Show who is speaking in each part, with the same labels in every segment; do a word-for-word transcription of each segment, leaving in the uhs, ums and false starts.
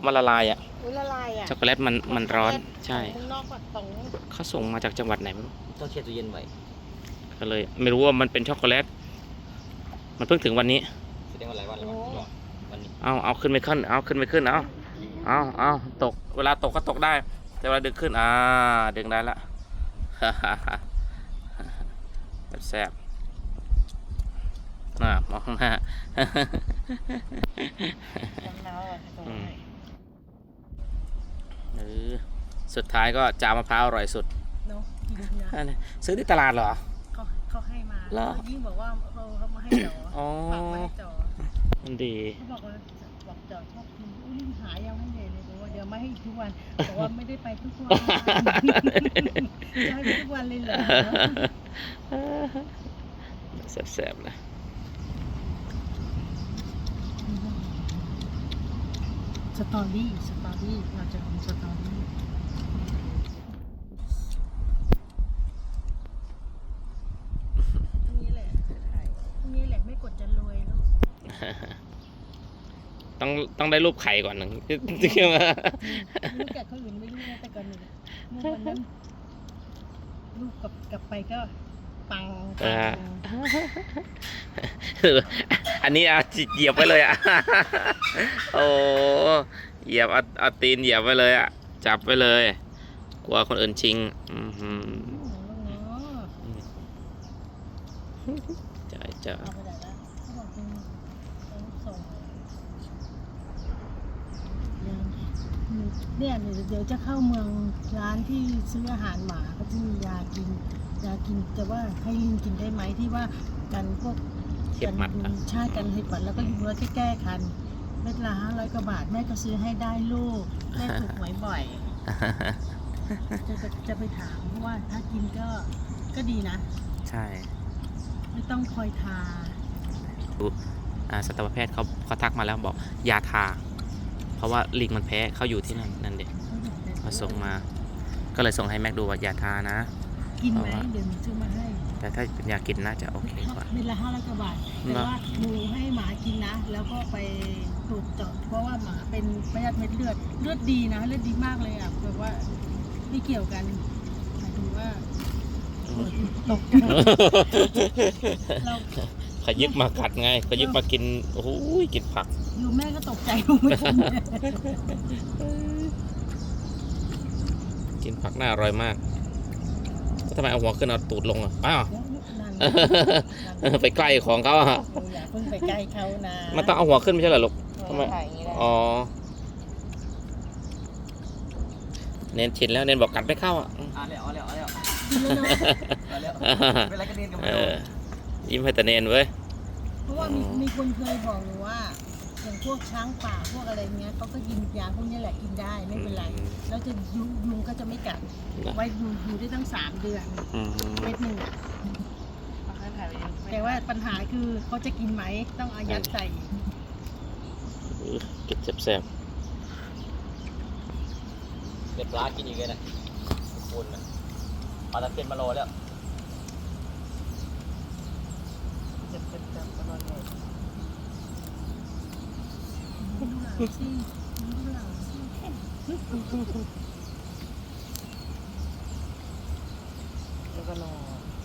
Speaker 1: มันละลายอ่ะ
Speaker 2: อุ้ยละลายอ่ะ
Speaker 1: ช็อกโกแลตมันมันร้อนใช่
Speaker 2: ข้างนอกก่อนของ
Speaker 1: เขาส่งมาจากจังหวัดไหนไม่รู้
Speaker 3: ต้องแช่ตู้เย็นไว้
Speaker 1: ก็เลยไม่รู้ว่ามันเป็นช็อกโกแลตมันเพิ่งถึงวันนี้
Speaker 3: แสดงว่าหลายวันแล้วมั้งวันนี้
Speaker 1: เอาเอาขึ้นไม่ขึ้นเอาขึ้นไม่ขึ้นเอาเอาเอาตกเวลาตกก็ตกได้ แต่เวลาดึงขึ้นอ่าดึงได้ละ แซ่บๆน่ามองข้างหน้า
Speaker 2: น้ำน้ำอ่ะ
Speaker 1: อืม เออสุดท้ายก็จามะพร้าวอร่อยสุด
Speaker 2: เนาะกินนะ
Speaker 1: อันนี้ซื้อที่ตลาดเหรอ
Speaker 2: เขาเขาให้มา
Speaker 1: เหรอ
Speaker 2: ยิ่งบอกว่าเขาเขามาให้จ๋อ
Speaker 1: อ๋อ
Speaker 2: ฝากมาให้จ๋อ
Speaker 1: มันดี
Speaker 2: เขาบอกว่าบอกจ๋อชอบกินอุ้ยรีบหายังไม่เลยเลยบอกว่าเดี๋ยวมาให้อีกทุกวันบอกว่าไม่ได้ไปทุกวันจะให้ไปทุกวันเลยเหรอ
Speaker 1: แซ่บๆนะ
Speaker 2: สตอรี่สตอรี่เราจะทำสตอรี่นี่แหละนี่แหละไม่กดจะรวยลูก
Speaker 1: ต้องต้องได้รูปไข่ก่อนหนึ่ง จริงไหม
Speaker 2: ลูกแกะเขาอื่นไม่รู้นะแต่ก่อนหนึ่งเมื่อวันนั้นลูกกลับกลับไปก็ปังปัง
Speaker 1: อันนี้เอาเหยียบไปเลยอ่ะ โอ้เหยียบเอาเอาตีนเหยียบไปเลยอ่ะจับไปเลย กลัวคนอื่นชิงอือหือใช่จ้ะ
Speaker 2: เอาไปไหนละเขาบอกเป็นเป็นส่งเนี่ยเดี๋ยวจะเข้าเมืองร้านที่ซื้ออาหารหมาก็จะมียากินยากินแต่ว่าให้ลิงกินได้ไหมที่ว่ากันพวก
Speaker 1: เข็บหมัดอ่ะ
Speaker 2: ใช่กันเห็บหมัดแล้วก็ยุงแล้วแก้คันเม็ดละห้าร้อยกว่าบาทแม่ก็ซื้อให้ได้ลูกแม่ถูกหวยบ่อย จะจะจะไปถามเพราะว่าถ้ากินก็ก็ดีนะ
Speaker 1: ใช่
Speaker 2: ไม่ต้องคอยทา
Speaker 1: อ่าสัตวแพทย์เขาเขาทักมาแล้วบอกยาทา เพราะว่าลิงมันแพ้เขาอยู่ที่นั่นนั่นเด็กเขาส่งมา ก็เลยส่งให้แม็กดูว่ายาทานะ
Speaker 2: กินไหมเดี๋ยวหนูซื้อมาให้
Speaker 1: แต่ถ้าเป็นยากินน่าจะโอเคกว่า
Speaker 2: เม็ดละห้าร้อยกว่าบาทแต่ว่าหนูให้หมากินนะ แล้วก็ไปตรวจเจาะเพราะว่าหมาเป็นพยาธิเม็ดเลือดเลือดดีนะเลือดดีมากเลยอ่ะแบบว่าไม่เกี่ยวกันหมายถึงว่าตกเรา
Speaker 1: ขยิบมากัดไงขยิบมากินโอ้โหกินผัก
Speaker 2: อยู่แม่ก็ตกใจลูกไม่กิน
Speaker 1: กินผักน่าอร่อยมากแล้วทำไมเอาหัวขึ้นเอาตูดลงอ่ะอ้าว ไปใกล้ของเขาอ่ะ
Speaker 2: อย่าเพิ่งไปใกล้เขานะ
Speaker 1: มันต้องเอาหัวขึ้นไม่ใช่เหรอลูกทำไมอ๋อเน้นชินแล้วเน้นบอกกัดไม่เข้าอ่ะ
Speaker 3: อ่ะแล้วเอาแล้วเอาแล้ว
Speaker 2: กินแล้วเนาะ
Speaker 3: เอาแล้วเวลาก็เรียนกัน
Speaker 1: เอ
Speaker 3: ไม่รู้
Speaker 1: อยิ้มให้แต่เนนเว้ย
Speaker 2: เพราะว่ามีมีคนเคยบอกหนูว่าอย่างพวกช้างป่าพวกอะไรเงี้ยเขาก็กินยาพวกนี้แหละกินได้ไม่เป็นไรแล้วจะยุงยุงก็จะไม่กัดไว้อยู่อยู่ได้ตั้งสามเดือน
Speaker 1: อืม
Speaker 2: เม็ดหนึ่งอะแต่ว่าปัญหาคือเขาจะกินไหมต้องอายัดใส่
Speaker 1: เก็บแซ่บ
Speaker 3: เด็ดปลากินอีกเลยนะคนนะปลาตะเพียนมาโลแล้ว
Speaker 2: จะเป็นแบบประมาณนี้ดูหลังสิดูหลังสิ แล้วก็รอ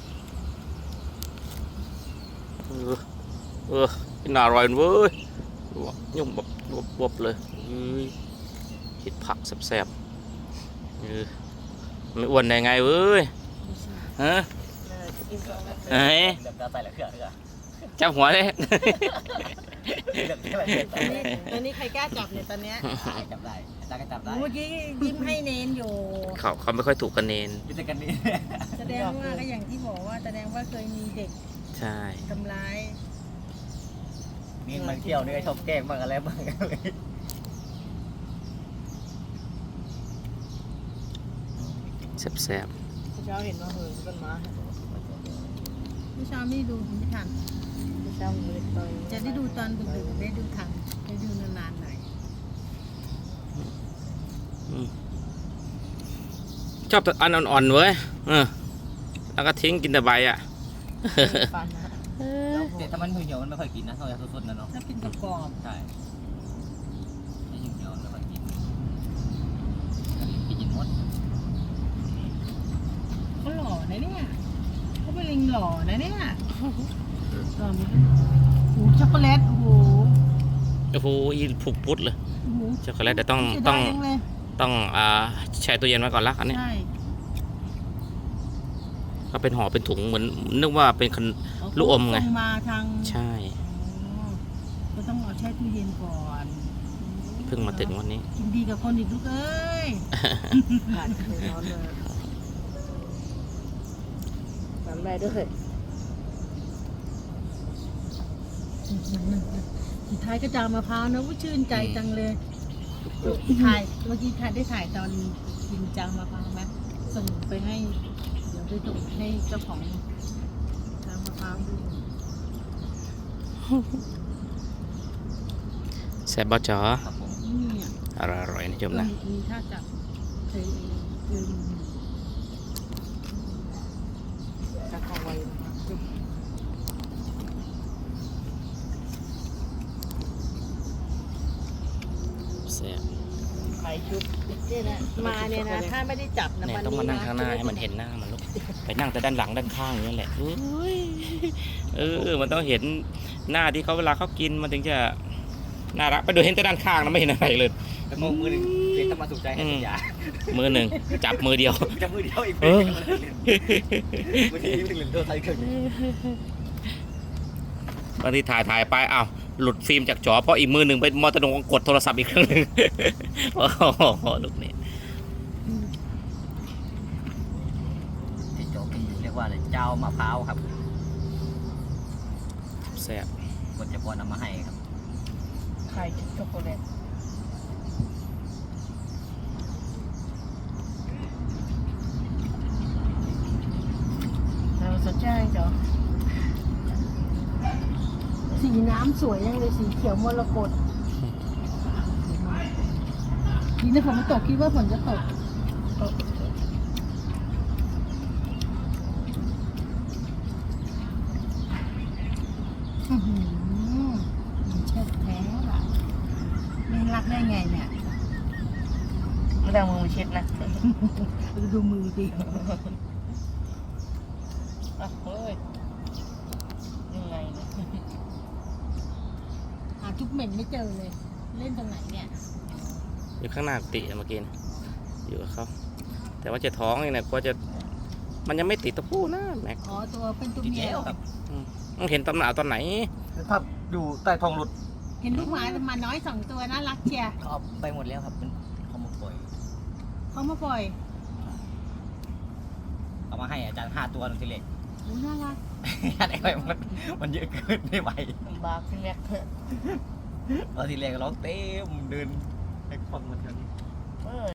Speaker 1: ๆเออเออกินอร่อยเว้ยยุ่งแบบบวบๆเลยอือกินผักแซ่บๆเออไม่อ้วนได้ไงเว้ยฮะเฮ้ย
Speaker 3: เดือดตาใส่แล้วเขื่อนเขื่อน
Speaker 1: จับหัวเลย
Speaker 3: เดือดอะไรเดือด
Speaker 2: ตอนนี้ตอนนี้ใครกล้าจับเนี่ยตอนเนี้ย
Speaker 3: จับได้ตาก็จับได้
Speaker 2: เมื่อกี้ยิ้มให้เนนอยู่
Speaker 1: เขาเขาไม่ค่อยถูกกันเนน
Speaker 3: พิจารณานี้
Speaker 2: แสดงว่าก็อย่างที่บอกว่าแสดงว่าเคยมีเด็ก
Speaker 1: ใช่
Speaker 2: ทำร้าย
Speaker 3: นี่มันเที่ยวนี่ชอบแกล้งบ้างอะไรบ้างเลย
Speaker 1: แซ่บ
Speaker 2: เช้าเห็นว่าเหินต้นไม้เมื่อเช้าไม่ดูไม่ทันเมื่อเช้าเลยตอนจะได้ดูตอนดึกๆได้ดูทันได้ดูนานๆหน่อย
Speaker 1: ๆอืมชอบแต่อันอ่อนๆเว้ยเออแล้วก็ทิ้งกินแต่ใบอ่ะ
Speaker 2: ฟันนะ
Speaker 3: แต่ถ้ามันเหี่ยวมันไม่ค่อยกินนะต้องยาสดๆนะเนาะ
Speaker 2: ถ้ากินกรอบ
Speaker 3: ใช่ไอ้เหี่ยวมันไม่ค่อยกิน
Speaker 2: ๆหล่อนะเนี่ยหล่อไหมโอ้โหช็อกโกแลตโอ้โห
Speaker 1: โอ้โหอีผูกพุดเลย
Speaker 2: โอ้โห
Speaker 1: ช็อกโกแลตแต่ต้อง
Speaker 2: เสีย
Speaker 1: ต้
Speaker 2: ดา
Speaker 1: อง
Speaker 2: ยจังเลย
Speaker 1: ต้องอ่าแช่ตู้เย็นไว้ก่อนละอันนี้
Speaker 2: ใช่
Speaker 1: ก็เป็นห่อเป็นถุงเหมือนนึกว่าเป็นขน ลูกอมไง
Speaker 2: ส่มาทาง
Speaker 1: ใช่
Speaker 2: อ๋อก็ต้องเอาแช่ตู้เย็นก่อน
Speaker 1: เพิ่งมาถึงวันนี้
Speaker 2: กินดีกับคนอีกลูกเอ้ย
Speaker 4: ขาดเลยร้อนเลยทำได้ด้วย
Speaker 2: สุดท้ายก็จามะพร้าวนะว่าชื่นใจจังเลยถ่ายเมื่อกี้ถ่ายได้ถ่ายตอนกินจามะพร้าวไหมส่งไปให้ เดี๋ยวไปส่งให้เจ้าของจามะพร้าวดู
Speaker 1: แซ่บบ่จ๋อ
Speaker 3: ครับผม
Speaker 2: นี่อ่ะ
Speaker 1: อร่อยๆนะโยมนะ
Speaker 2: มีท่าจับเคยเคยดู
Speaker 4: จะเข้าไว้นะครับ
Speaker 1: แซ่บ
Speaker 4: ไข่ชุบ
Speaker 2: เนี่ยนะมาเนี่ยนะถ้าไม่ได้จับนะ
Speaker 1: เนี่ย
Speaker 2: วัน
Speaker 1: ต้องมา
Speaker 2: นี้
Speaker 1: นั่ง
Speaker 2: นะ
Speaker 1: ข้างหน้าให้มันเห็นหน้ามันลูกไปนั่งแต่ด้านหลังด้านข้างอย่างนี้แหละเอ้ยเออมันต้องเห็นหน้าที่เขาเวลาเขากินมันถึงจะน่ารักไปดูเห็นแต่ด้านข้างนะไม่เห็นอะไรเลย
Speaker 3: แล้วก็มือหนึ่งเพียงต้องมาสุขใจให้สัญญา
Speaker 1: มือหนึ่งจับมือเดียว
Speaker 3: จะมือเดียวอีก
Speaker 1: เออ
Speaker 3: มือที่หนึ่งเหรียญตัวไทยเกิน
Speaker 1: บางทีถ่ายถ่ายไปอ้าวหลุดฟิล์มจากจอเพราะอีกมือหนึ่งไปมอเตอร์โดงกดโทรศัพท์อีกเครื่องหนึ่ง โอ้โหลูกนี่
Speaker 3: ที่โจ๊กกินอยู่เรียกว่าอะไรเจ้ามะพร้าวครับ
Speaker 1: แซ่บ
Speaker 3: คนจะพอนำมาให้ครับ
Speaker 4: ไข่ชุบช็อกโกแลต
Speaker 2: เราสนใจจ้ะสีน้ำสวยยังเลยสีเขียวมรกตนี่นะฝนมันตกคิดว่าฝนจะตกตกอื้อหือมันเช็ดแท้ล่ะไม่รักได้ไงเนี่ย
Speaker 4: ไม่ได้เอามือมาเช็ดนะ
Speaker 2: ดูมือดิ
Speaker 4: อ่ะเฮ้ยยังไงเนี่ย
Speaker 2: หาจุ๊บเหม็นไม่เจอเลย เล่นตรงไหนเนี่ย
Speaker 1: อยู่ข้างหน้ากุฏิเมื่อกี้นะอยู่กับเขาแต่ว่าจะท้องนี่นะกว่าจะมันยังไม่ติดตัวผู้นะแม็ก
Speaker 2: อ๋อ ตัวเป็นตัว
Speaker 3: ที่
Speaker 2: เมีย
Speaker 3: เจ๊ครับ
Speaker 1: ต้องเห็นตำหนาตอนไหน
Speaker 3: ภาพอยู่ใต้ท้องรถ
Speaker 2: เห็นลูกหมามาน้อยสองตัวน่ารักเชียร์
Speaker 3: เขาเอาไปหมดแล้วครับมันเขามาปล่อย
Speaker 2: เขามาปล่อย
Speaker 3: เอามาให้อาจารย์ห้าตัวนึงทีเล็ก
Speaker 2: โอ้น่ารัก
Speaker 3: อะไรไปมันมันเยอะเกินไม่ไหว
Speaker 4: ลำบากพี่แม็กเถอะ
Speaker 3: ตอนทีแรกก็ร้องเต็มเดินให้ควันมาเท่านี้